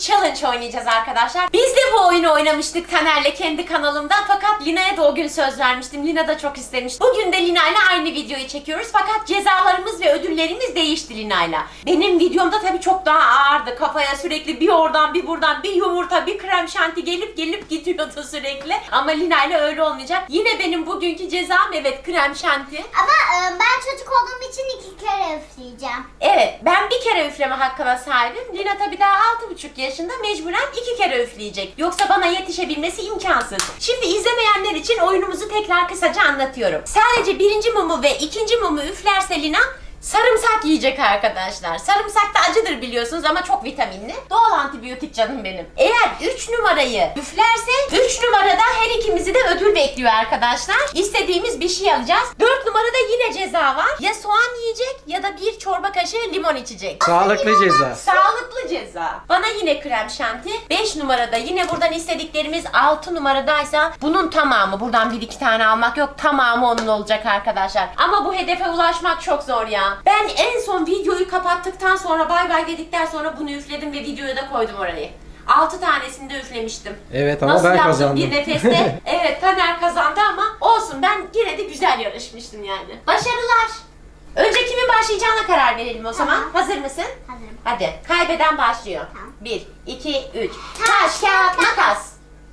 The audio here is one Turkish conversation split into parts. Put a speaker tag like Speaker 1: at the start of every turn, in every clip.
Speaker 1: Challenge oynayacağız arkadaşlar. Biz de bu oyunu oynamıştık Taner'le kendi kanalımda. Fakat Lina'ya da o gün söz vermiştim. Lina da çok istemiş. Bugün de Lina'yla aynı videoyu çekiyoruz. Fakat cezalarımız ve ödüllerimiz değişti Lina'yla. Benim videomda tabii çok daha ağırdı. Kafaya sürekli bir oradan bir buradan bir yumurta bir krem şanti gelip gidiyordu sürekli. Ama Lina'yla öyle olmayacak. Yine benim bugünkü cezam evet krem şanti.
Speaker 2: Ama ben çocuk olduğum için 2 kere üfleyeceğim.
Speaker 1: Evet, ben bir kere üfleme hakkına sahibim. Lina tabii daha 6,5 yaşında, mecburen 2 kere üfleyecek. Yoksa bana yetişebilmesi imkansız. Şimdi izlemeyenler için oyunumuzu tekrar kısaca anlatıyorum. Sadece birinci mumu ve ikinci mumu üflerse Lina sarımsak yiyecek arkadaşlar. Sarımsak da acıdır biliyorsunuz ama çok vitaminli. Doğal antibiyotik canım benim. Eğer 3 numarayı üflerse 3 numarada her ikimizi de ödül bekliyor arkadaşlar. İstediğimiz bir şey alacağız. 4 numarada yine ceza var. Ya soğan yiyecek ya da bir çorba kaşığı limon içecek.
Speaker 3: Sağlıklı ceza.
Speaker 1: Sağlıklı ceza. Bana yine krem şanti. 5 numarada yine buradan istediklerimiz, 6 numaradaysa bunun tamamı. Buradan 1-2 tane almak yok. Tamamı onun olacak arkadaşlar. Ama bu hedefe ulaşmak çok zor ya. Ben en son videoyu kapattıktan sonra bay bay dedikten sonra bunu üfledim ve videoya da koydum orayı. 6 tanesini de üflemiştim.
Speaker 3: Evet ama
Speaker 1: nasıl
Speaker 3: ben
Speaker 1: yaptım
Speaker 3: kazandım.
Speaker 1: bir nefeste? Evet, Taner kazandı ama olsun, ben yine de güzel yarışmıştım yani. Başarılar. Önce kimin başlayacağına karar verelim o zaman.
Speaker 2: Tamam.
Speaker 1: Hazır mısın?
Speaker 2: Hazırım.
Speaker 1: Hadi. Kaybeden başlıyor.
Speaker 2: Tamam.
Speaker 1: 1, 2, 3. Taş, kağıt, makas.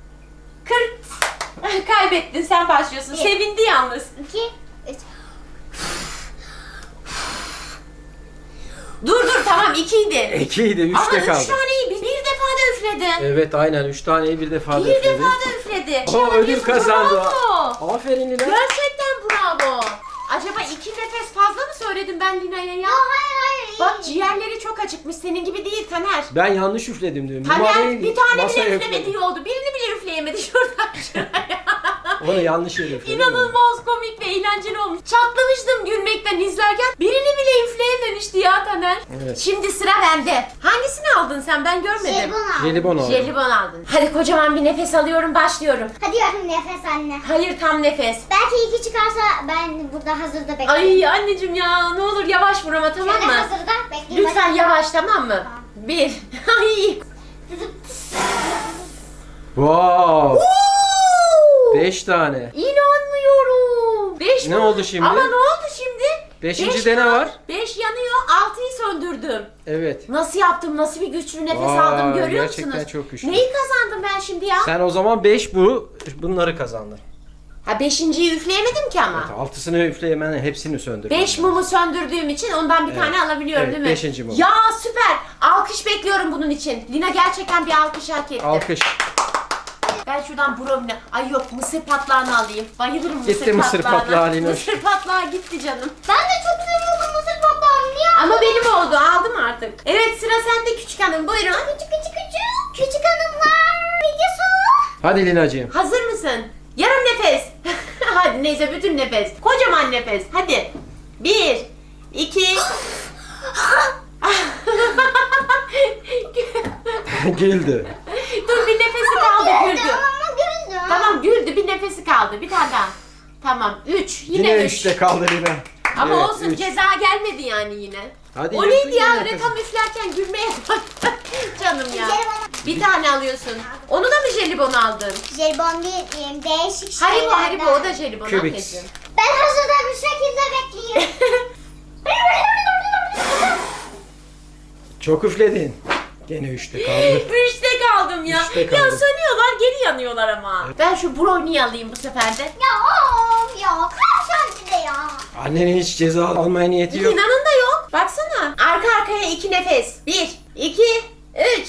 Speaker 1: 40. Kaybettin, sen başlıyorsun.
Speaker 2: Bir.
Speaker 1: Sevindi yalnız.
Speaker 2: 2, 3.
Speaker 1: Dur tamam, 2'ydi.
Speaker 3: 2'ydi, 3'te
Speaker 1: Ama 3
Speaker 3: kaldı.
Speaker 1: taneyi bir defada üfledi.
Speaker 3: Evet aynen 3 taneyi bir defada
Speaker 1: Bir
Speaker 3: üfledi.
Speaker 1: defada üfledi.
Speaker 3: Aa, ödül kazandı.
Speaker 1: Bravo.
Speaker 3: Aferin Lina.
Speaker 1: Gerçekten bravo. Acaba 2 nefes fazla mı söyledim ben Lina'ya ya?
Speaker 2: Hayır.
Speaker 1: Bak, ciğerleri çok acıkmış. Senin gibi değil Taner.
Speaker 3: Ben yanlış üfledim diyorum.
Speaker 1: Taner
Speaker 3: Numarayı
Speaker 1: bir tane
Speaker 3: masaya
Speaker 1: bile
Speaker 3: üfledim.
Speaker 1: üflemediği oldu. Birini bile üfleyemedi şuradan şuraya.
Speaker 3: Onu yanlış yere üfledim.
Speaker 1: İnanılmaz komik ve eğlenceli olmuş. Çatlamıştım gülmekten izlerken. Birini bile üfleyememişti ya Taner.
Speaker 3: Evet.
Speaker 1: Şimdi sıra bende. Hangisini aldın sen? Ben görmedim.
Speaker 3: Jelibon aldım.
Speaker 1: Jelibon aldın. Hadi kocaman bir nefes alıyorum, başlıyorum.
Speaker 2: Hadi yarın nefes anne.
Speaker 1: Hayır, tam nefes.
Speaker 2: Belki 2 çıkarsa ben burada hazırda bekliyorum.
Speaker 1: Ay anneciğim ya, ne olur yavaş vur ama, tamam
Speaker 2: Şöyle
Speaker 1: mı?
Speaker 2: hazırda bekleyeyim.
Speaker 1: Lütfen yavaş, tamam mı?
Speaker 2: Tamam.
Speaker 1: 1. Ay.
Speaker 3: Wow. 5 tane.
Speaker 1: İnanmıyorum. 5
Speaker 3: Ne oldu şimdi?
Speaker 1: Ama ne oldu şimdi?
Speaker 3: 5. de ne var?
Speaker 1: 5 yanıyor, 6'yı söndürdüm.
Speaker 3: Evet.
Speaker 1: Nasıl yaptım? Nasıl bir güçlü nefes
Speaker 3: Vay,
Speaker 1: aldım, görüyor
Speaker 3: gerçekten
Speaker 1: musunuz?
Speaker 3: çok güçlü.
Speaker 1: Neyi kazandım ben şimdi ya?
Speaker 3: Sen o zaman 5 bunları kazandın.
Speaker 1: Ha, 5.'yi üfleyemedim ki ama.
Speaker 3: Evet, 6'sını üfleyemen hepsini söndürdün.
Speaker 1: 5 mumu söndürdüğüm için ondan bir
Speaker 3: Evet.
Speaker 1: tane alabiliyorum,
Speaker 3: Evet,
Speaker 1: değil mi?
Speaker 3: 5. mum.
Speaker 1: Ya süper. Alkış bekliyorum bunun için. Lina gerçekten bir alkış hak etti.
Speaker 3: Alkış.
Speaker 1: Ben şuradan brownie. Ay yok, mısır patlağını alayım. Bayılırım mısır
Speaker 3: Gitti mısır
Speaker 1: patlağına.
Speaker 3: patlağı Linoş.
Speaker 1: Mısır patlağı gitti canım.
Speaker 2: Ben de çok seviyorum mısır patlağını. Niye?
Speaker 1: Ama benim oldu. Aldım artık. Evet, sıra sende küçük hanım. Buyurun.
Speaker 2: Küçük hanımlar videosu.
Speaker 3: Hadi Linacığım.
Speaker 1: Hazır mısın? Yarım nefes. Hadi neyse, bütün nefes. Kocaman nefes. Hadi. 1, 2.
Speaker 3: Güldü.
Speaker 1: Dur, bir nefesi kaldı, güldü.
Speaker 2: Ama güldüm.
Speaker 1: Tamam, güldü, bir nefesi kaldı. Bir tane daha. Tamam, 3. Yine
Speaker 3: Yine
Speaker 1: 3.
Speaker 3: 3'te kaldı Lina.
Speaker 1: Ama
Speaker 3: Evet,
Speaker 1: olsun,
Speaker 3: üç.
Speaker 1: ceza gelmedi yani yine.
Speaker 3: Hadi
Speaker 1: O
Speaker 3: yürü,
Speaker 1: neydi ya?
Speaker 3: yürü
Speaker 1: Öyle
Speaker 3: kızım.
Speaker 1: tam üflerken gülmeye baktı. Canım ya.
Speaker 2: Jelibon.
Speaker 1: Bir tane alıyorsun. Onu da mı jelibon aldın?
Speaker 2: Jelibon değil, değişik şeylerden.
Speaker 1: Haribo o da jelibon.
Speaker 3: Kübik.
Speaker 1: Anneciğim.
Speaker 2: Ben hazırda bir şekilde bekleyeyim.
Speaker 3: Çok üfledin. Gene 3'te kaldı.
Speaker 1: 3'te kaldım ya.
Speaker 3: Üçte
Speaker 1: Ya
Speaker 3: kaldım.
Speaker 1: sönüyorlar, geri yanıyorlar ama. Ben şu brownie'yi alayım bu sefer de.
Speaker 2: ya krem de ya.
Speaker 3: Annenin hiç ceza almaya niyeti yok.
Speaker 1: Lina'nın da yok. Baksana. Arka arkaya 2 nefes. 1, 2, 3.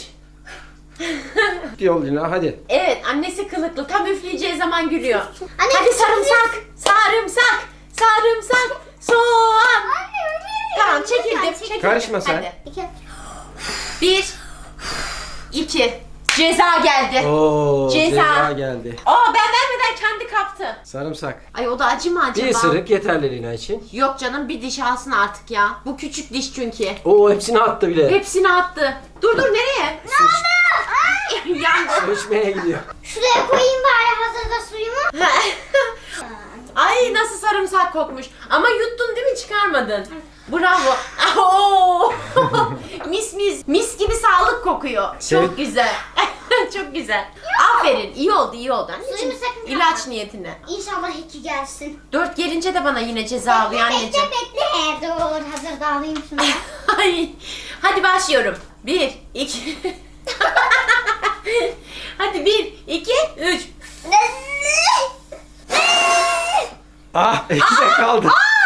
Speaker 3: Yol Lina hadi.
Speaker 1: Evet, annesi kılıklı. Tam üfleyeceği zaman gülüyor.
Speaker 2: Anne,
Speaker 1: Hadi sarımsak, sarımsak, sarımsak, soğan. Tamam, çekildim.
Speaker 3: Karışma sen.
Speaker 1: Hadi. 1, 2. Ceza geldi.
Speaker 3: Oo,
Speaker 1: Ceza.
Speaker 3: ceza geldi.
Speaker 1: Aa, ben vermeden kendi kaptı.
Speaker 3: Sarımsak.
Speaker 1: Ay, o da acı mı acaba?
Speaker 3: Bir ısırık yeterli Lina için.
Speaker 1: Yok canım, bir diş alsın artık ya. Bu küçük diş çünkü.
Speaker 3: Oo hepsini attı bile.
Speaker 1: Hepsini attı. Dur nereye? Yandı.
Speaker 3: Su içmeye gidiyor.
Speaker 2: Şuraya koyayım bari hazırda suyumu.
Speaker 1: Ay, nasıl sarımsak kokmuş. Ama yuttun değil mi? Çıkarmadın. Bravo. Oo. Mis gibi sağlık kokuyor.
Speaker 3: Sev-
Speaker 1: Çok güzel. Çok güzel. Aferin. İyi oldu anneciğim.
Speaker 2: Suyunu sakın
Speaker 1: İlaç
Speaker 2: kapatma.
Speaker 1: niyetine.
Speaker 2: İnşallah 2 gelsin.
Speaker 1: 4 gelince de bana yine ceza alıyor anneciğim.
Speaker 2: Bekle. Dur hazır da alayım şunu.
Speaker 1: Ay. Hadi başlıyorum. 1, 2. Hadi 1, 2, 3.
Speaker 3: Ah ikide kaldı.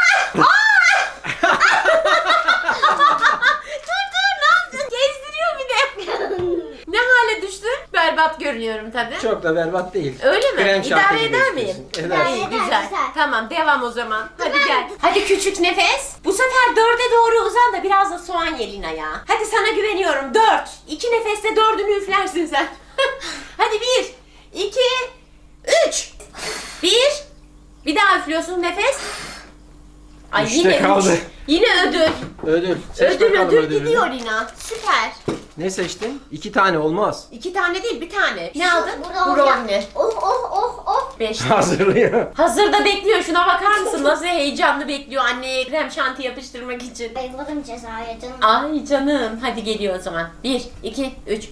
Speaker 1: Dur ne yaptın? Gezdiriyor bir de. Ne hale düştün? Berbat görünüyorum tabii.
Speaker 3: Çok da berbat değil.
Speaker 1: Öyle mi?
Speaker 3: Krem şanti
Speaker 1: İdare
Speaker 3: gibi
Speaker 1: eder miyim?
Speaker 3: gözüküyorsun. Edersin.
Speaker 1: İyi,
Speaker 2: Eder,
Speaker 1: güzel.
Speaker 2: güzel.
Speaker 1: Tamam devam o zaman. Hadi gel. Hadi küçük nefes. Bu sefer 4'e doğru uzan da biraz da soğan ye Lina ya. Hadi sana güveniyorum. 4. 2 nefeste 4'ünü üflersin sen. Hadi 1, 2, 3. 1. Bir daha üflüyorsun nefes. Ay
Speaker 3: Üçte
Speaker 1: yine
Speaker 3: kaldı.
Speaker 1: 3. Yine ödül.
Speaker 3: Ödül. Seç bakalım
Speaker 1: Ödül
Speaker 3: ödülünü.
Speaker 1: gidiyor Lina. Süper.
Speaker 3: Ne seçtin? 2 tane olmaz.
Speaker 1: 2 tane değil bir tane. Ne aldın?
Speaker 2: Burada
Speaker 1: Brownie.
Speaker 2: Oh.
Speaker 1: 5.
Speaker 3: Hazırlıyor.
Speaker 1: Hazırda bekliyor. Şuna bakar mısın? Nasıl heyecanlı bekliyor anneye krem şanti yapıştırmak için.
Speaker 2: Bayılırım cezaya canım.
Speaker 1: Ay canım. Hadi geliyor o zaman. 1, 2, 3.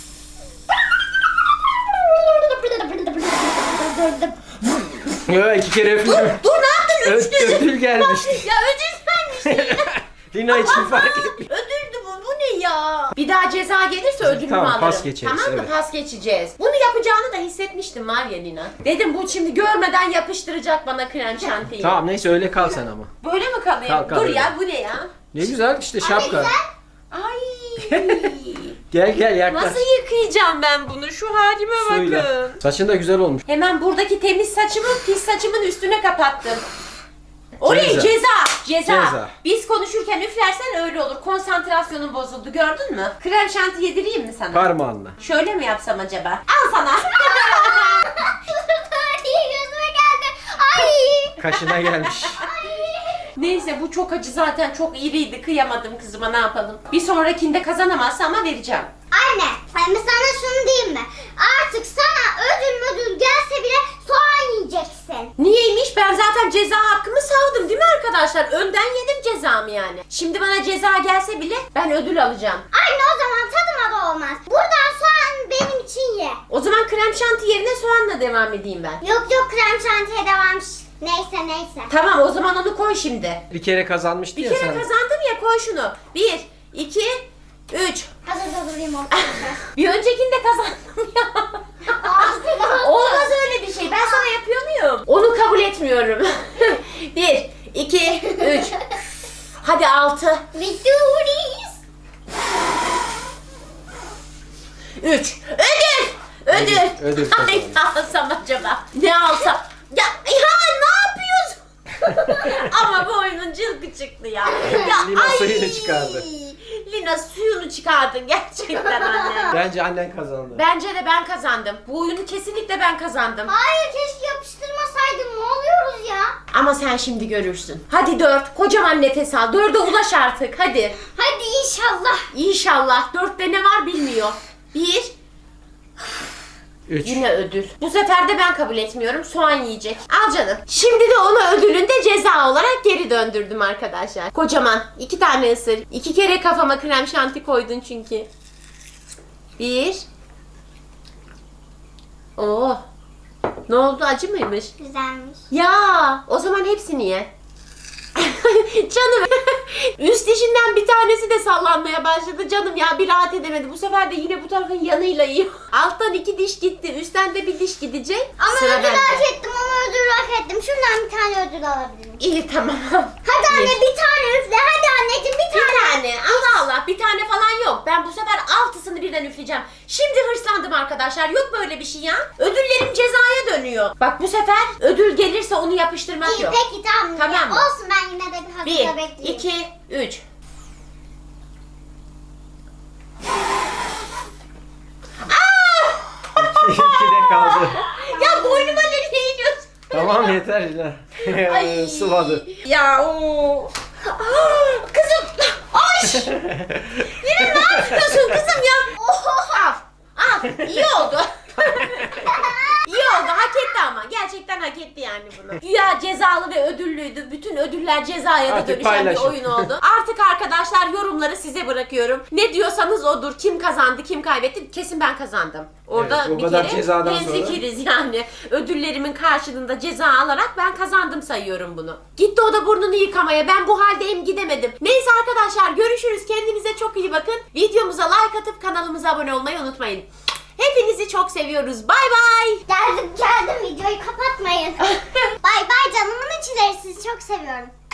Speaker 3: Yo 2 kere öpüyorum.
Speaker 1: Dur ne yaptın?
Speaker 3: Ödül gelmişti.
Speaker 1: Ya ödül vermişti.
Speaker 3: Lina için fark etmiyor.
Speaker 1: Ödüldü bu. Bu ne ya? Bir daha ceza gelirse ödülümü
Speaker 3: Tamam,
Speaker 1: alırım.
Speaker 3: pas geçeriz,
Speaker 1: Tamam mı?
Speaker 3: evet.
Speaker 1: Pas geçeceğiz. Bunu yapacağını da hissetmiştim var ya Lina. Dedim bu şimdi görmeden yapıştıracak bana krem şantiyi.
Speaker 3: Tamam neyse öyle kal sen ama.
Speaker 1: Böyle mi kalayım?
Speaker 3: Kal,
Speaker 1: Dur
Speaker 3: öyle.
Speaker 1: ya bu ne ya?
Speaker 3: Ne güzel işte şapka.
Speaker 1: Ay.
Speaker 3: Gel yaklaş.
Speaker 1: Nasıl yıkayacağım ben bunu? Şu halime bakın.
Speaker 3: Suyla. Saçın da güzel olmuş.
Speaker 1: Hemen buradaki temiz saçımı pis saçımın üstüne kapattım. Orayı
Speaker 3: Ceza.
Speaker 1: ceza. Biz konuşurken üflersen öyle olur. Konsantrasyonun bozuldu gördün mü? Krem şanti yedireyim mi sana?
Speaker 3: Parmağınla.
Speaker 1: Şöyle mi yapsam acaba? Al sana.
Speaker 2: Gözüme geldi. Ay.
Speaker 3: Kaşına gelmiş.
Speaker 1: Neyse bu çok acı zaten çok iriydi. Kıyamadım kızıma ne yapalım. Bir sonrakinde kazanamazsa ama vereceğim.
Speaker 2: Anne, ben sana şunu diyeyim mi? Artık sana ödül gelse bile soğan yiyeceksin.
Speaker 1: Niyeymiş? Ben zaten ceza hakkımı savdım değil mi arkadaşlar? Önden yedim cezamı yani. Şimdi bana ceza gelse bile ben ödül alacağım.
Speaker 2: Anne o zaman tadıma da olmaz. Buradan soğan benim için ye.
Speaker 1: O zaman krem şanti yerine soğanla devam edeyim ben.
Speaker 2: Yok krem şantiye devam. Neyse.
Speaker 1: Tamam o zaman onu koy şimdi.
Speaker 3: Bir kere kazanmıştı
Speaker 1: Bir
Speaker 3: ya
Speaker 1: kere
Speaker 3: sen.
Speaker 1: kazandım ya koy şunu. 1, 2, 3.
Speaker 2: Hazır durayım o
Speaker 1: Bir öncekinde kazandım ya. Olmaz öyle bir şey. Ben sana yapıyor muyum? Onu kabul etmiyorum. 1, 2, 3. Hadi 6.
Speaker 2: Victorious.
Speaker 1: 3. Ödül.
Speaker 3: Ödül
Speaker 1: Ay ne alsam acaba? Ne alsam? Ya ne yapıyorsun? Ama bu oyunun cılkı çıktı ya.
Speaker 3: Lina suyunu çıkardı.
Speaker 1: Lina suyunu çıkardı gerçekten anne.
Speaker 3: Bence annen kazandı.
Speaker 1: Bence de ben kazandım. Bu oyunu kesinlikle ben kazandım.
Speaker 2: Hayır keşke yapıştırmasaydım. Ne oluyoruz ya?
Speaker 1: Ama sen şimdi görürsün. Hadi 4. Kocaman nefes al. 4'e ulaş artık. Hadi.
Speaker 2: Hadi inşallah.
Speaker 1: İnşallah. 4'te ne var bilmiyor. 1.
Speaker 3: 3.
Speaker 1: Yine ödül. Bu sefer de ben kabul etmiyorum. Soğan yiyecek. Al canım. Şimdi de ona ödülünü de ceza olarak geri döndürdüm arkadaşlar. Kocaman. 2 tane ısır. 2 kere kafama krem şanti koydun çünkü. 1. Oo. Ne oldu? Acı mıymış?
Speaker 2: Güzelmiş.
Speaker 1: Ya, o zaman hepsini ye. Canım. Üst dişinden bir tanesi de sallanmaya başladı. Canım ya bir rahat edemedi. Bu sefer de yine bu tarafın yanıyla yiyor. Alttan 2 diş gitti. Üstten de bir diş gidecek.
Speaker 2: Ama
Speaker 1: Sıra
Speaker 2: ödül
Speaker 1: bende.
Speaker 2: hak ettim ama ödül hak ettim. Şundan bir tane ödül alabilirim.
Speaker 1: İyi tamam.
Speaker 2: Hadi anne
Speaker 1: Bir.
Speaker 2: bir tane üfle. Hadi anneciğim bir
Speaker 1: Bir
Speaker 2: tane.
Speaker 1: tane. Allah Allah. Bir tane falan yok. Ben bu sefer 6'sını birden üfleyeceğim. Şimdi hırslandım arkadaşlar. Yok böyle bir şey ya. Ödüllerim cezaya dönüyor. Bak bu sefer ödül gelirse onu yapıştırmak
Speaker 2: İyi
Speaker 1: yok.
Speaker 2: peki tamam.
Speaker 1: Tamam mı?
Speaker 2: Olsun ben yine de bir hazırda
Speaker 1: 1,
Speaker 2: bekleyeyim.
Speaker 1: 2, 3.
Speaker 3: İkide kaldı.
Speaker 1: Ya boynuma nereye iniyorsun?
Speaker 3: Tamam yeter Lina.
Speaker 1: Ay.
Speaker 3: Sıvadı.
Speaker 1: Ya o. Kızım. Ay. Yine ne yapıyorsun kızım ya? Al. Al. İyi oldu. İyi oldu. Hak etti ama. Gerçekten hak etti yani bunu. Güya cezalı ve ödüllüydü. Bütün ödüller cezaya da
Speaker 3: Artık
Speaker 1: dönüşen
Speaker 3: paylaşın.
Speaker 1: bir oyun oldu. Artık arkadaşlar yorumları yorumları size bırakıyorum. Ne diyorsanız odur. Kim kazandı, kim kaybetti? Kesin ben kazandım. Orada
Speaker 3: Evet, bu
Speaker 1: bir
Speaker 3: kadar
Speaker 1: kere
Speaker 3: cezadan sonra.
Speaker 1: hemfikiriz yani. Ödüllerimin karşılığında ceza alarak ben kazandım sayıyorum bunu. Gitti o da burnunu yıkamaya. Ben bu haldeyim, gidemedim. Neyse arkadaşlar, görüşürüz. Kendinize çok iyi bakın. Videomuza like atıp kanalımıza abone olmayı unutmayın. Hepinizi çok seviyoruz. Bay bay.
Speaker 2: Geldim videoyu kapatmayın. Bay bay canımın içleri, sizi çok seviyorum.